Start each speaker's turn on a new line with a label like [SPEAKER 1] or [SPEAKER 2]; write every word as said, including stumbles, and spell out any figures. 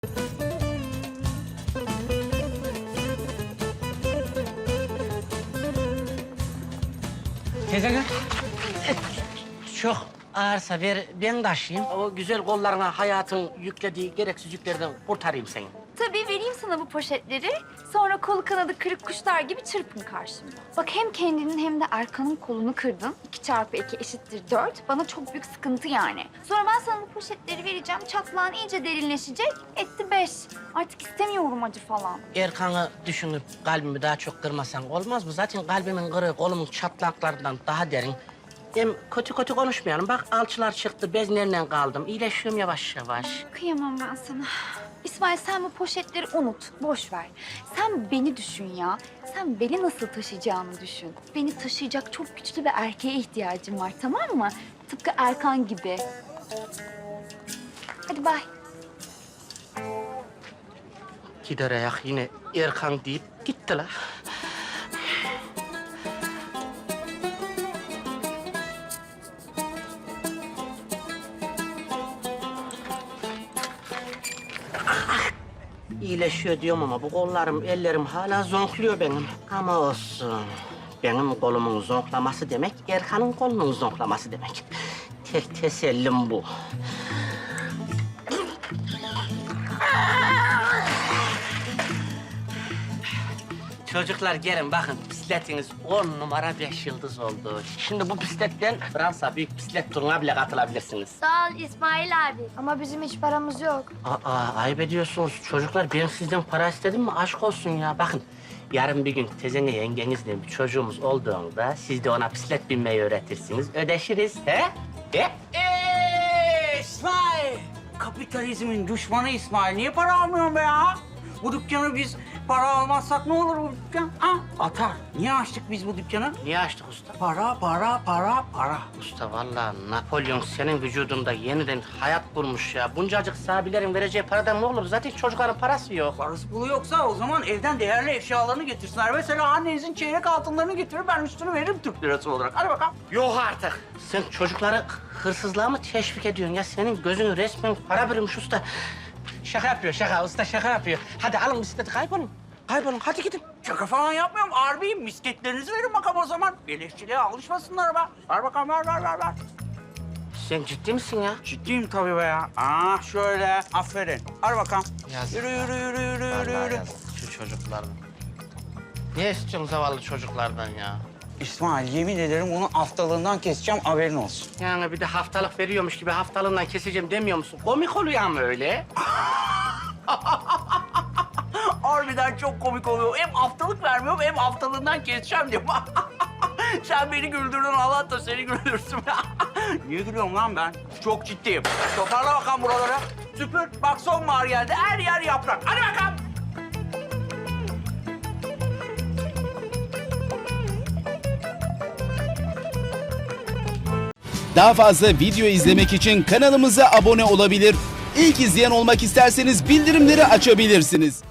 [SPEAKER 1] Teyze çok ağırsa ver, ben taşıyayım. O güzel kollarına hayatın yüklediği gereksiz yüklerden kurtarayım seni.
[SPEAKER 2] Tabii vereyim sana bu poşetleri. Sonra kolu kanadı kırık kuşlar gibi çırpın karşımda. Bak hem kendinin hem de Erkan'ın kolunu kırdın. İki çarpı iki eşittir dört. Bana çok büyük sıkıntı yani. Sonra ben sana bu poşetleri vereceğim. Çatlağın iyice derinleşecek. Etti beş. Artık istemiyorum acı falan.
[SPEAKER 1] Erkan'ı düşünüp kalbimi daha çok kırmasan olmaz mı? Zaten kalbimin kırığı kolumun çatlaklarından daha derin. Hem kötü kötü konuşmayalım. Bak alçılar çıktı, bezlerle kaldım. İyileşiyorum yavaş yavaş.
[SPEAKER 2] Kıyamam ben sana. İsmail sen bu poşetleri unut, boş ver. Sen beni düşün ya. Sen beni nasıl taşıyacağını düşün. Beni taşıyacak çok güçlü bir erkeğe ihtiyacım var, tamam mı? Tıpkı Erkan gibi. Hadi bay.
[SPEAKER 1] Gider ayak yine Erkan deyip gitti la. İyileşiyor diyorum ama bu kollarım, ellerim hala zonkluyor benim. Ama olsun. Benim kolumun zonklaması demek, Erkan'ın kolunun zonklaması demek. Tek tesellim bu. Çocuklar gelin bakın, bisikletiniz on numara beş yıldız oldu. Şimdi bu bisikletten Fransa büyük bisiklet turuna bile katılabilirsiniz.
[SPEAKER 3] Sağ ol İsmail abi. Ama bizim hiç paramız yok.
[SPEAKER 1] Aa, ayıp ediyorsunuz çocuklar. Ben sizden para istedim mi? Aşk olsun ya. Bakın, yarın bir gün tezene yengenizle bir çocuğumuz olduğunda siz de ona bisiklet binmeyi öğretirsiniz. Ödeşiriz, he? He?
[SPEAKER 4] Eee İsmail! Kapitalizmin düşmanı İsmail. Niye para almıyorsun be ya? Bu dükkanı biz para almazsak ne olur bu dükkan? Ha? Atar. Niye açtık biz bu dükkanı?
[SPEAKER 1] Niye açtık usta?
[SPEAKER 4] Para, para, para, para.
[SPEAKER 1] Usta vallahi Napolyon senin vücudunda yeniden hayat bulmuş ya. Buncacık sahabilerin vereceği paradan ne olur? Zaten çocukların parası yok.
[SPEAKER 4] Parası pulu yoksa o zaman evden değerli eşyalarını getirsinler. Mesela annenizin çeyrek altınlarını getirir, ben üstünü veririm Türk lirası olarak. Hadi bakalım.
[SPEAKER 1] Yok artık. Sen çocukları hırsızlığa mı teşvik ediyorsun ya? Senin gözünü resmen para bürümüş usta. Şaka yapıyor, şaka. Usta şaka yapıyor. Hadi alın bisikleti, kaybolun. Kaybolun, hadi gidin.
[SPEAKER 4] Şaka falan yapmıyorum. Harbiyim. Misketlerinizi verin bakalım o zaman. Beleşçiliğe alışmasınlar be. Ver bakalım, ver, ver, ver, ver.
[SPEAKER 1] Sen ciddi misin ya?
[SPEAKER 4] Ciddiyim tabii be ya. Aa şöyle. Aferin. Hadi bakalım.
[SPEAKER 1] Yazık
[SPEAKER 4] Yürü, yürü, yürü, yürü, yürü,
[SPEAKER 1] Vallahi
[SPEAKER 4] yürü.
[SPEAKER 1] yazık şu çocuklardan. Ne istiyorsun zavallı çocuklardan ya?
[SPEAKER 4] İsmail, yemin ederim onun haftalığından keseceğim, haberin olsun.
[SPEAKER 1] Yani bir de haftalık veriyormuş gibi haftalığından keseceğim demiyor musun? Komik oluyor ama öyle.
[SPEAKER 4] Harbiden çok komik oluyor. Hem haftalık vermiyorum hem haftalığından keseceğim diyorum. Sen beni güldürdün, Allah da seni güldürsün. Niye gülüyorum lan ben? Çok ciddiyim. Toparla bakalım buraları. Süpür. Bak sonbahar geldi. Her yer yaprak. Hadi bakalım.
[SPEAKER 5] Daha fazla video izlemek için kanalımıza abone olabilir. İlk izleyen olmak isterseniz bildirimleri açabilirsiniz.